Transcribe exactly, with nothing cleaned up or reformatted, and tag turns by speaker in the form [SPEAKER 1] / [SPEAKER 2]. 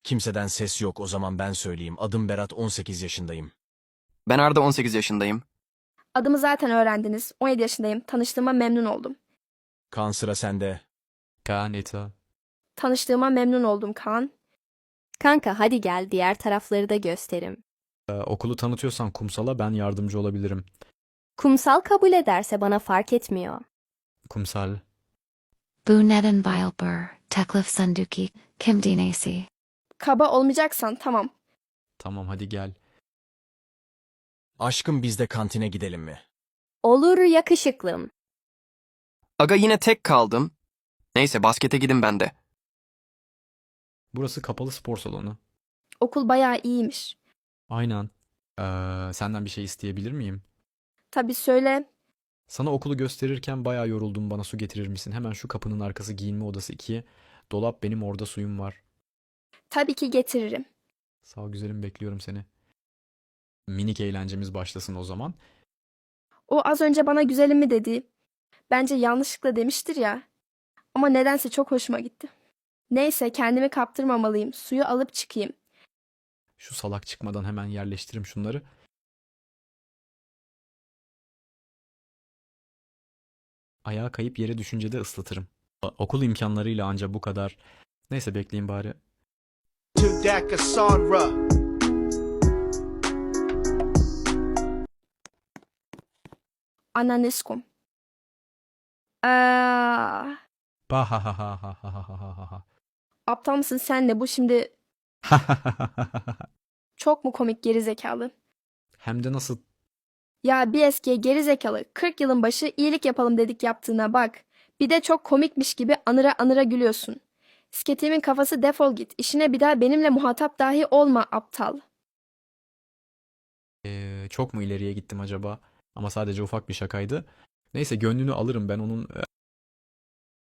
[SPEAKER 1] Kimseden ses yok, o zaman ben söyleyeyim. Adım Berat, on sekiz yaşındayım.
[SPEAKER 2] Ben Arda, on sekiz yaşındayım.
[SPEAKER 3] Adımı zaten öğrendiniz. on yedi yaşındayım. Tanıştığıma memnun oldum.
[SPEAKER 1] Kaan, sıra sende.
[SPEAKER 4] Kaan, Eta.
[SPEAKER 3] Tanıştığıma memnun oldum Kaan.
[SPEAKER 5] Kanka hadi gel diğer tarafları da gösterim.
[SPEAKER 4] Ee, okulu tanıtıyorsan Kumsal'a ben yardımcı olabilirim.
[SPEAKER 5] Kumsal kabul ederse bana fark etmiyor.
[SPEAKER 4] Kumsal.
[SPEAKER 6] Bu neden Bilber, Teklif Sanduki, Kim Dinesi.
[SPEAKER 3] Kaba olmayacaksan tamam.
[SPEAKER 4] Tamam, hadi gel.
[SPEAKER 1] Aşkım, biz de kantine gidelim mi?
[SPEAKER 5] Olur yakışıklım.
[SPEAKER 2] Aga yine tek kaldım. Neyse baskete gidin ben de.
[SPEAKER 4] Burası kapalı spor salonu.
[SPEAKER 3] Okul bayağı iyiymiş.
[SPEAKER 4] Aynen. Ee, senden bir şey isteyebilir miyim?
[SPEAKER 3] Tabii söyle.
[SPEAKER 4] Sana okulu gösterirken bayağı yoruldum, bana su getirir misin? Hemen şu kapının arkası giyinme odası iki. Dolap benim, orada suyum var.
[SPEAKER 3] Tabii ki getiririm.
[SPEAKER 4] Sağ ol güzelim, bekliyorum seni. Minik eğlencemiz başlasın o zaman.
[SPEAKER 3] O az önce bana güzelim mi dedi. Bence yanlışlıkla demiştir ya. Ama nedense çok hoşuma gitti. Neyse kendimi kaptırmamalıyım. Suyu alıp çıkayım.
[SPEAKER 4] Şu salak çıkmadan hemen yerleştirim şunları. Ayağa kayıp yere düşünce de ıslatırım. A- Okul imkanlarıyla anca bu kadar. Neyse bekleyin bari.
[SPEAKER 7] To Daka Sonra.
[SPEAKER 3] Ananeskum. Aa,
[SPEAKER 4] Ba ha ha ha ha ha ha ha ha.
[SPEAKER 3] aptal mısın sen de bu şimdi çok mu komik gerizekalı?
[SPEAKER 4] Hem de nasıl?
[SPEAKER 3] Ya bir eskiye gerizekalı kırk yılın başı iyilik yapalım dedik yaptığına bak. Bir de çok komikmiş gibi anıra anıra gülüyorsun. Sketimin kafası defol git. İşine bir daha benimle muhatap dahi olma aptal.
[SPEAKER 4] Ee, çok mu ileriye gittim acaba? Ama sadece ufak bir şakaydı. Neyse, gönlünü alırım ben onun.